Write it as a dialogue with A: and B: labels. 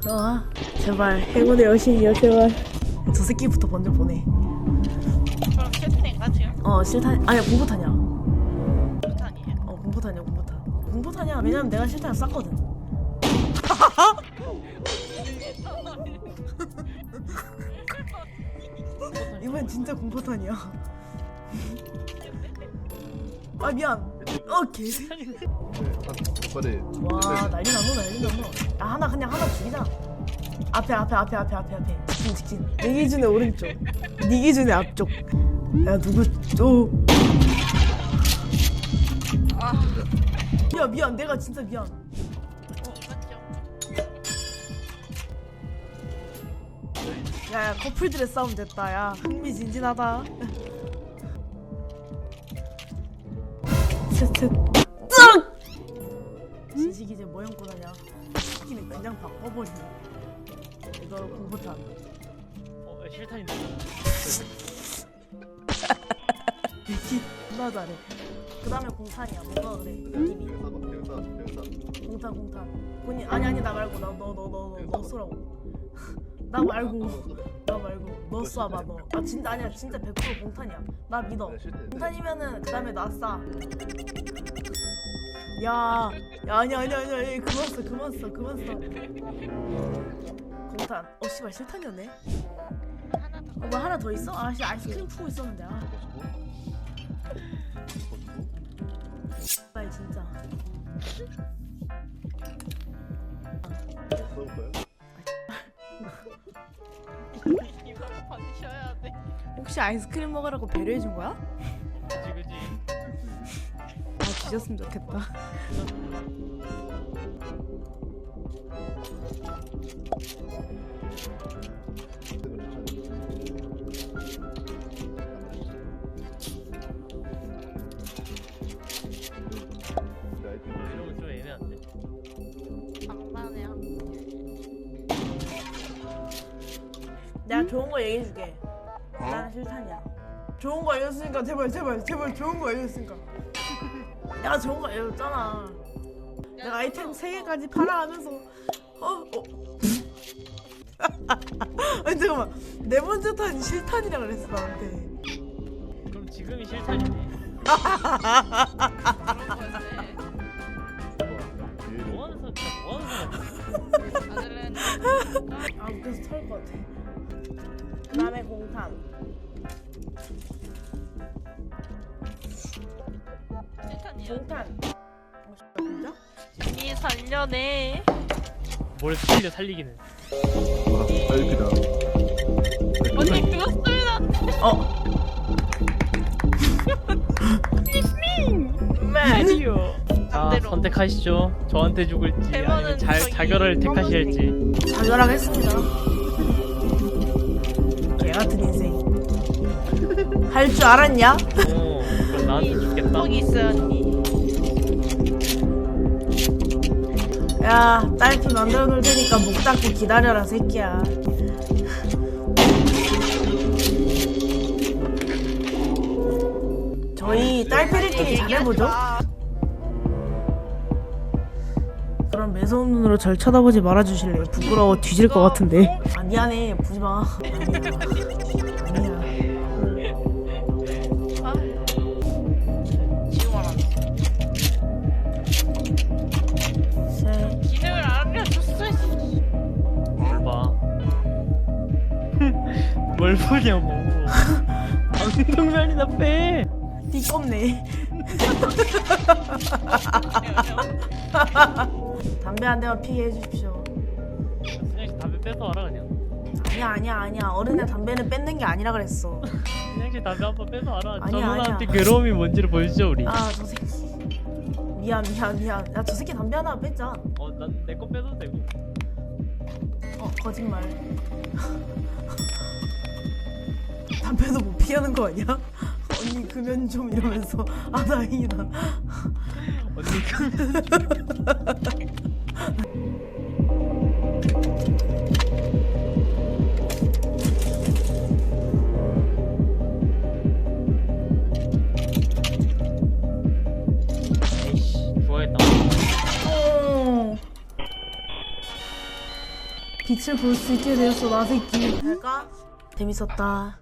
A: 제발 행운의 여신이여 제발. 저 새끼부터 먼저 보내.
B: 그럼 실탄인가 지금?
A: 실탄 아니야 공포탄이야.
B: 실탄이에요?
A: 공포탄이야 공포탄. 공포탄이야. 왜냐면 내가 실탄을 쐈거든. 이번엔 진짜 공포탄이야. 아 미안. 개새.
C: 빨리.
A: 와 난리 났노 난리 났노. 야 하나 그냥 하나 죽이자. 앞에 직진. 네 기준의 오른쪽, 네 기준의 앞쪽. 야 누구 야 미안 내가 진짜 미안.
B: 맞죠?
A: 야 커플들의 싸움 됐다. 야 흥미진진하다. 셋 진식이 이제 뭐 연고 다냐. 시키는 그냥 바꿔버리네. 이거 공포탄.
D: 실탄인데.
A: 미친 나 잘해. 그 다음에 공탄이야. 뭐가 그래 느낌이. 공탄 본인 아니 나 말고 너 쏘라고. 나 말고 너 쏴봐 너. 아 진짜 아니야 진짜 100% 공탄이야. 나 믿어. 공탄이면은 그 다음에 나 쏴. 야 아니야 그만 써. 공탄. 씨발 실탄이었네. 뭐 하나 더 있어? 아이스크림 푸고 있었는데. 빨리 진짜.
B: 이걸 받으셔야 돼.
A: 혹시 아이스크림 먹으라고 배려해준 거야?
D: 그지.
A: 뒤졌으면 좋겠다.
D: 이러면 좀 애매한데.
B: 장난이야.
A: 내가 좋은 거 얘기해줄게. 나는 실탄이야. 좋은 거 알려줬으니까 제발 좋은 거 알려줬으니까. 내가 좋은 거 알려줬잖아. 내가 아이템 3개까지 팔아 하면서 아니 잠깐만 네 번째 탄이 실탄이라 그랬어 나한테.
D: 그럼 지금이 실탄이네. 뭐 하는 사람?
B: 아들은
A: 웃겨서 털 것 같아. 그 다음에 공탄.
B: 실탄이야.
A: 공탄. 진짜?
B: 이 살려내.
D: 뭘 살려 살리기는.
C: 빨리다.
B: 언니 그거 쓰면 안 돼.
D: 마리오. 자
B: 반대로.
D: 선택하시죠. 저한테 죽을지
B: 대만은
D: 아니면
B: 저기
D: 자결을 택하실지.
A: 자결하겠습니다. 개같은 인생. 할 줄 알았냐?
D: 그럼 나한테 죽겠다.
B: 거기 있어요 언니.
A: 야 딸피 만들어 놓을 테니까 목 닫고 기다려라 새끼야. 저희 딸피들끼리 잘해보죠. 그럼 매서운 눈으로 절 쳐다보지 말아주실래요? 부끄러워 뒤질 것 같은데. 아 미안해 보지마. 아니야.
B: 지금 알았네.
A: 셋.
B: 기능을 알려줬어.
D: 뭘 봐. 뭘 보냐고. 방송면이나 빼.
A: 띠껍네. 담배 한 대만 피게 해주십시오.
D: 그냥 담배 뺏어 와라 그냥.
A: 아니야. 어른의 담배는 뺏는 게 아니라 그랬어.
D: 그냥 담배 한번 뺏어 와라. 저
A: 아니야.
D: 누나한테 괴로움이 뭔지를 보여주죠 우리.
A: 저 새끼. 미안. 야 저 새끼 담배 하나 뺐자.
D: 난 내 거 뺏어도 되고.
A: 거짓말. 담배도 못 피하는 거 아니야? 언니 금연 좀 이러면서. 다행이다.
D: 언니 에이씨 죽어야겠다.
A: 빛을 볼 수 있게 되었어 나 새끼. 잘까? 재밌었다.